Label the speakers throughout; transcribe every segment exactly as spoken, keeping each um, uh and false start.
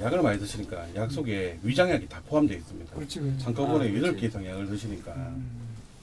Speaker 1: 약을 많이 드시니까 약 속에 위장약이 다 포함되어 있습니다.
Speaker 2: 그렇지. 그렇지.
Speaker 1: 한꺼번에
Speaker 3: 아,
Speaker 1: 여덟
Speaker 3: 그렇지.
Speaker 1: 개 이상 약을 드시니까
Speaker 2: 음.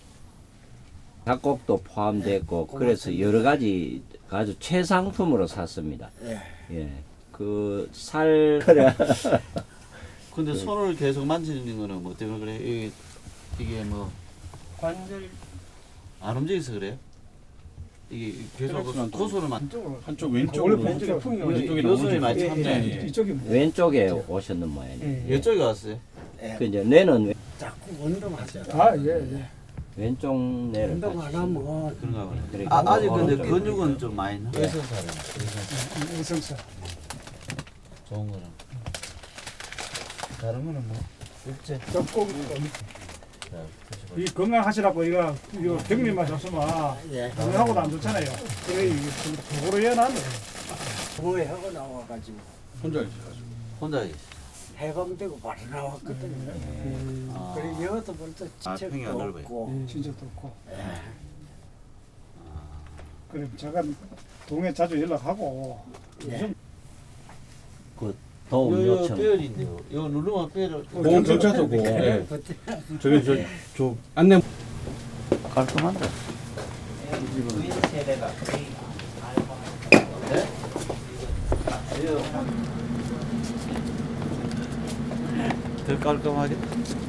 Speaker 4: 작곡도 포함됐고 그래서 여러 가지 아주 최상품으로 샀습니다.
Speaker 3: 예.
Speaker 4: 예. 그 살
Speaker 3: 근데 손을 계속 만지는 거는 뭐 때문에 그래? 이게, 이게 뭐 안
Speaker 1: 관절
Speaker 3: 움직여서 그래요? 이게 계속
Speaker 1: 그렇지만
Speaker 3: 그 고소를 만
Speaker 2: 한쪽으로.
Speaker 1: 한쪽
Speaker 2: 원래
Speaker 1: 왼쪽으로
Speaker 2: 왼쪽에 풍이
Speaker 3: 요-
Speaker 1: 왼쪽에
Speaker 3: 요소리
Speaker 1: 나오죠.
Speaker 3: 많이
Speaker 2: 예,
Speaker 3: 참네.
Speaker 2: 예,
Speaker 1: 예.
Speaker 2: 이쪽이 뭐-
Speaker 4: 왼쪽에 오셨는 모양이에요.
Speaker 2: 예.
Speaker 3: 이쪽에 왔어요?
Speaker 5: 예.
Speaker 4: 그 이제 뇌는 왼-
Speaker 5: 자꾸 운동하세요.
Speaker 2: 아, 예, 예.
Speaker 4: 왼쪽 뇌를
Speaker 5: 운동 안
Speaker 4: 같이
Speaker 5: 하면
Speaker 3: 그런가 보네.
Speaker 4: 그러니까
Speaker 3: 아, 아직 근데
Speaker 4: 오른쪽에.
Speaker 3: 근육은 좀 많이 나.
Speaker 4: 예.
Speaker 2: 의성사.
Speaker 3: 좋은 거라. 다른 거는 뭐 일제.
Speaker 2: 젖고
Speaker 3: 자, 드셔봐.
Speaker 2: 이 건강하시라고 이거 이거 병리만 줬으면
Speaker 5: 예.
Speaker 2: 건강하고도 안 좋잖아요. 그래 이거 좀 도구로 해놨네.
Speaker 5: 뭐에 하고 나와가지고
Speaker 1: 혼자 있어가지고
Speaker 3: 혼자 계시.
Speaker 5: 해방되고 바로 나왔거든요.
Speaker 3: 아.
Speaker 5: 그래 여기도 벌써
Speaker 3: 아, 평이 안
Speaker 5: 지책도
Speaker 3: 넓어요.
Speaker 5: 없고
Speaker 2: 진짜 좋고.
Speaker 5: 예.
Speaker 2: 그래 제가 동에 자주 연락하고
Speaker 5: 예.
Speaker 4: 도움
Speaker 3: 요, 요
Speaker 4: 요청.
Speaker 3: 뼈인데요. 요 누르면 뼈를
Speaker 1: 보험 경찰서고 예. 저기 저, 저 안내
Speaker 3: 깔끔한데. 더 깔끔하게.